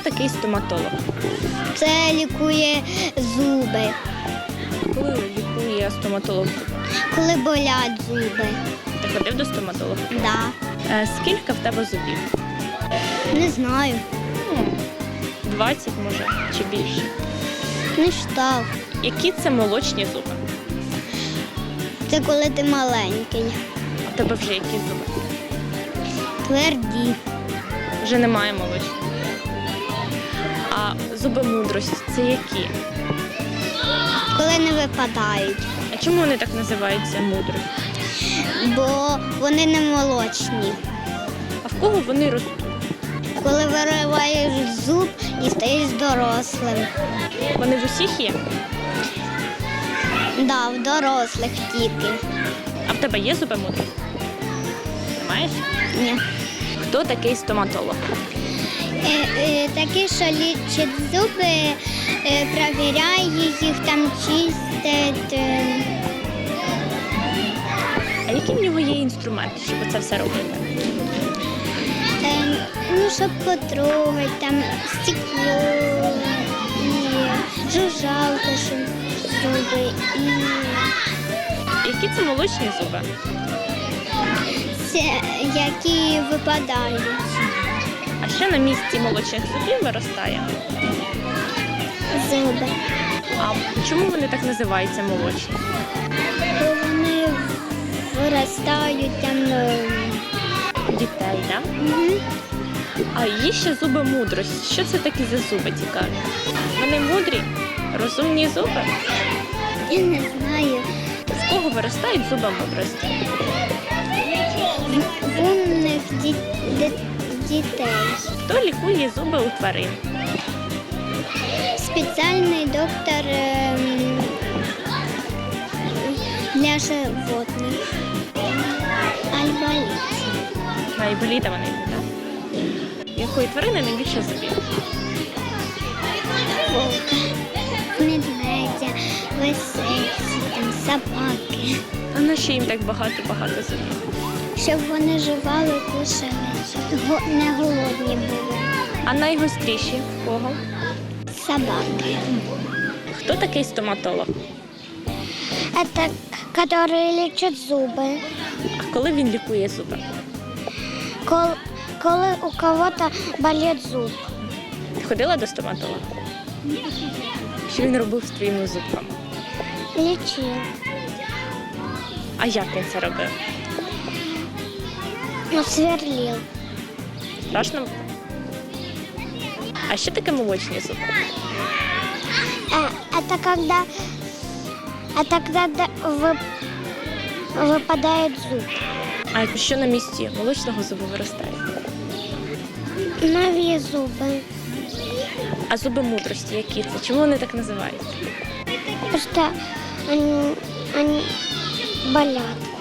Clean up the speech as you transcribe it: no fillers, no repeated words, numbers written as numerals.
такий стоматолог? Це лікує зуби, Коли лікує стоматолог? коли болять зуби. Ти ходив до стоматолога? Да. Скільки в тебе зубів? Не знаю. 20, може, чи більше. Не штав. Які це молочні зуби? Це коли ти маленький. А в тебе вже які зуби? Тверді. Вже немає молочних. А зуби мудрості це які? Коли не випадають. А чому вони так називаються мудрості? Бо вони не молочні. А в кого вони ростуть? Коли вириваєш зуб і стаєш дорослим. Вони в усіх є? Да, в дорослих тільки. А в тебе є зуби мудрості? Маєш? Ні. Хто такий стоматолог? Такі, що лічать зуби, перевіряє їх, там чистить. А які в нього є інструменти, щоб це все робити? Ну, щоб потрогати, там стекло, і жужжалка, щоб зуби, і Які це молочні зуби? це, які випадають. А що на місці молочних зубів виростає? Зуби. А чому вони так називаються молочні? Бо вони виростають там. Дітей, так? Мгм. А є ще зуби мудрості. Що це такі за зуби цікаві? Вони мудрі, розумні зуби. Я не знаю. В кого виростають зуби мудрості? В умних дітей. Хто лікує зуби у тварин? Спеціальний доктор для животних. Альболіт. Айболіта вони йдуть, так? Якої тварини найбільше зубів? Вовка, медведя, лисиці, там, собаки. А на що їм так багато зубів? Щоб вони жували, кушали, щоб не голодні були. А найгостріші в кого? Собаки. Хто такий стоматолог? Это которые лечат зубы. А коли він лікує зуби? Коли у кого-то болит зуб. Ти ходила до стоматолога? Що він робив з твоїми зубками? Лечил. А як він це робив? Ну, сверлил. Страшно було? А що таке молочні зуби? Это когда выпадает зуб. А що на місці молочного зубу виростає? Новые зубы. А зуби мудрості які це? Чому вони так називаються? Потому что они болят.